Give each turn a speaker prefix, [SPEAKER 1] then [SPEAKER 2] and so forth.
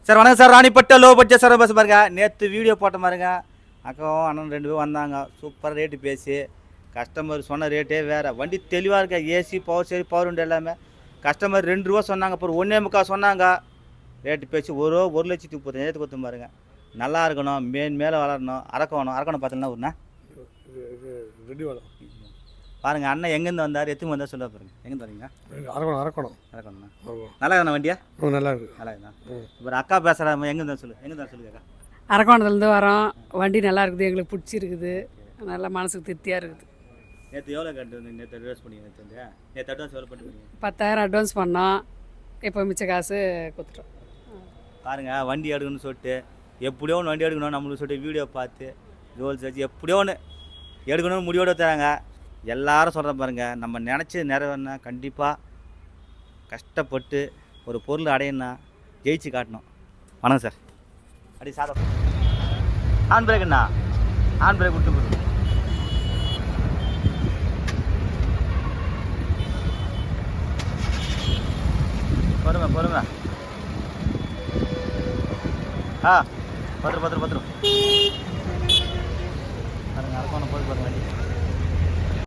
[SPEAKER 1] Sir வணக்கம் sir, Ranipet low budget sir bus பாருங்க. நேற்று வீடியோ போட்ட பாருங்க, அக்காவும் அண்ணன் 2 பேரும் வந்தாங்க. சூப்பர் ரேட்டு பேசி கஸ்டமர் சொன்ன ரேட்டே வேறு. வண்டி தெளிவாக இருக்கா, ஏசி பவர் சரி பவர் உண்டு எல்லாமே. கஸ்டமர் 2 ரூபா சொன்னாங்க, அப்புறம் 1.25 சொன்னாங்க. ரேட்டு பேசி 1,35,000 கொடுத்து பாருங்க. நல்லா இருக்கணும், மேலே வளரணும், அரக்கணும் பார்த்தீங்கன்னா ஒன்றா
[SPEAKER 2] ரெடி வேணும்
[SPEAKER 1] பாருங்க. அண்ணன் எங்கேருந்து வந்தார், எத்துக்கு வந்தார் சொல்ல பாருங்க. எங்கேருந்து வரீங்க? அரக்கணும்ண்ணா. நல்லா இருக்கணும் வண்டியா?
[SPEAKER 2] நல்லா இருக்கு.
[SPEAKER 1] நல்லா இருக்குண்ணா. இப்போ அக்கா பேசுகிறாம எங்கேருந்து சொல்லுங்க அக்கா.
[SPEAKER 3] அரக்கோணத்துலேருந்து வரோம். வண்டி நல்லா இருக்குது, எங்களுக்கு பிடிச்சிருக்குது, நல்லா மனசுக்கு திருப்தியாக இருக்குது.
[SPEAKER 1] நேற்று எவ்வளோ கட்டு வந்து நேற்று அட்வான்ஸ் பண்ணி நேற்று அட்வான்ஸ் எவ்வளோ பண்ணிட்டு
[SPEAKER 3] 10,000 அட்வான்ஸ் பண்ணோம். இப்போ மிச்ச காசு கொடுத்துட்டோம்.
[SPEAKER 1] பாருங்கள், வண்டி எடுக்கணும்னு சொல்லிட்டு எப்படியோ ஒன்று வண்டி எடுக்கணும் நம்மளுக்கு சொல்லிட்டு வீடியோ பார்த்து ரோல்ஸ் வச்சு எப்படியோ ஒன்று எடுக்கணும்னு முடிவோடு தராங்க. எல்லாரும் சொல்கிற பாருங்கள், நம்ம நினச்சி நிறைவேறினா கண்டிப்பாக கஷ்டப்பட்டு ஒரு பொருள் அடையணும்னா ஜெயிச்சு காட்டணும். வணக்கம் சார். அடி சாதம் ஆன் பிரேக்குண்ணா, ஆன் பிரேக் விட்டு போடு. பொறுமை ஆ பத்திரம் பாருங்க. அரக்கோணம் போய் பாருங்க வண்டி.